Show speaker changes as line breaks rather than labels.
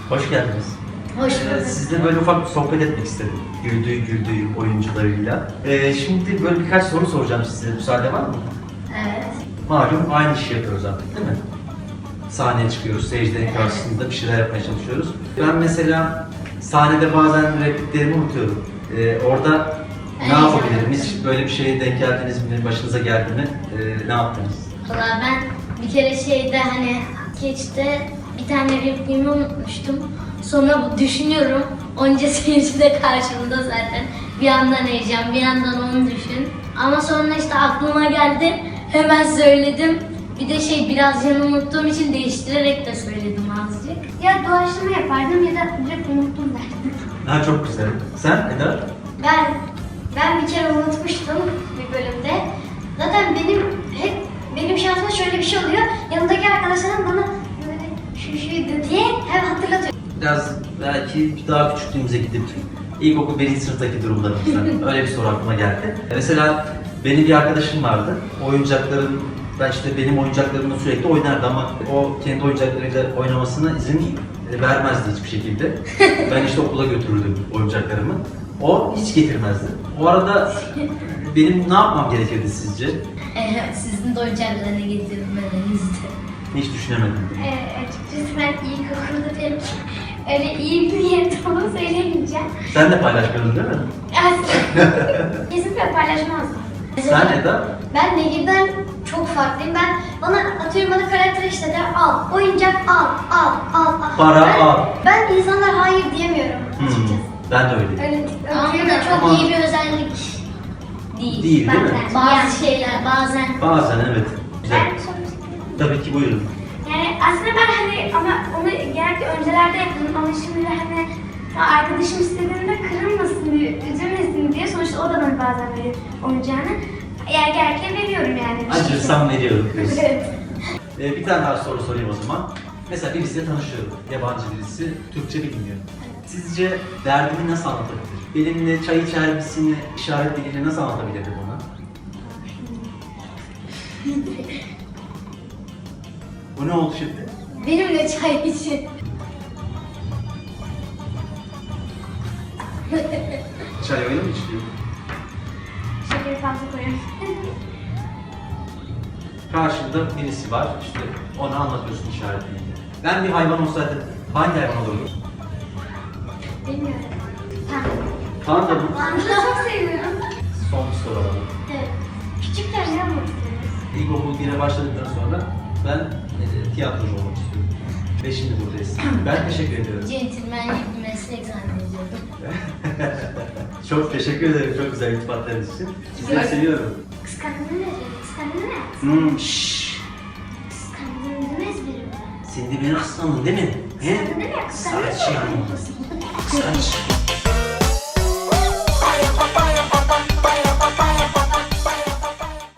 Hoş geldiniz.
Hoş bulduk.
Sizle böyle ufak bir sohbet etmek istedim. Güldüğü oyuncularıyla. Şimdi böyle birkaç soru soracağım size. Müsaade var mı?
Evet.
Malum aynı işi yapıyoruz artık değil mi? Sahneye çıkıyoruz, seyircilerin karşısında bir şeyler yapmaya çalışıyoruz. Ben mesela sahnede bazen repliklerimi unutuyorum. Orada ne yapabilirim? Hiç böyle bir şeye denk geldiniz mi? Başınıza geldi mi? Ne yaptınız?
Valla ben bir kere hani skeçte bir tane repliğimi unutmuştum. Sonra düşünüyorum. Onca seyirci de karşımda zaten. Bir yandan heyecan, bir yandan onu düşün. Ama sonra işte aklıma geldi. Hemen söyledim. Bir de biraz yanı unuttuğum için değiştirerek de söyledim azıcık.
Ya doğaçlama yapardım ya da direkt unuttum derdim.
Ha çok güzel. Sen Eda?
Ben bir kere unutmuştum bir bölümde. Zaten benim şansıma şöyle bir şey oluyor. Yanımdaki arkadaşlarım bana böyle şuydu diye hep hatırlatıyor.
Biraz belki daha küçüklüğümüze gidip ilkokul 1. sınıftaki durumlarımızdan öyle bir soru aklıma geldi. Mesela benim bir arkadaşım vardı. Benim oyuncaklarımla sürekli oynardı ama o kendi oyuncaklarıyla oynamasına izin vermezdi hiçbir şekilde. Ben işte okula götürürdüm oyuncaklarımı. O hiç getirmezdi. O arada benim ne yapmam gerekirdi sizce?
Sizin de oyuncaklarını getirmemenizdi.
Hiç düşünemedim.
Açıkçası ben ilkokulda pek öyle iyi bir niyetim olduğunu söyleyemeyeceğim.
Sen de paylaşmadın değil mi?
Kesinlikle paylaşmazdım.
Sen Eda?
Ben Nehir'den çok farklıyım. Bana karakter işte der, al, oyuncak al.
Para al.
Ben insanlar hayır diyemiyorum açıkçası.
Ben de öyleyim.
Öyle
Ama
öyle
da çok
Ama-
iyi bir özellik değil.
Değil mi?
Bazı şeyler bazen.
Bazen evet. Güzel.
Ben çok
Tabii ki buyurun.
Yani aslında ben ama onu genellikle öncelerde yapıyordum ama şimdi arkadaşım istediğinde kırılmasın diye, üzülmesin diye sonuçta o da bana bazen verir oyuncağını. Eğer gerekli veriyorum yani.
Acırsam veriyorum.
Evet.
Bir tane daha soru sorayım o zaman. Mesela birisiyle tanışıyorum. Yabancı birisi. Türkçe bilmiyor. Sizce derdini nasıl anlatabilir? Benimle çay içer misini işaret diliyle nasıl anlatabilirdi bana? Bu ne oldu şimdi?
Benimle çay için.
Çay öyle mi içiliyor?
Şekeri fazla koyuyorum.
Karşında birisi var, işte ona anlatıyorsun işaret diliyle. Ben bir hayvan olsaydım hangi hayvan olurdum?
Bilmiyorum.
Panda mı?
Ben de çok seviyorum.
Son bir soru alalım.
Evet. Küçükler ne yapmak istiyoruz?
İlkokul 1'e başladıktan sonra ben tiyatrocu olmak istiyorum. Ve şimdi buradayız. Ben teşekkür ediyorum.
Centilmenlik bir meslek zannediyordum.
Çok teşekkür ederim çok güzel iltifatlarınız için. Sizleri seviyorum.
Kıskandığını ne? Kıskandığını ne?
Şşş.
Kıskandığını ne ezberim?
Sen de beni kıskandın değil mi? He?
Kıskandığını ne? Kıskandığını
Saçma.
ne?
Saçma.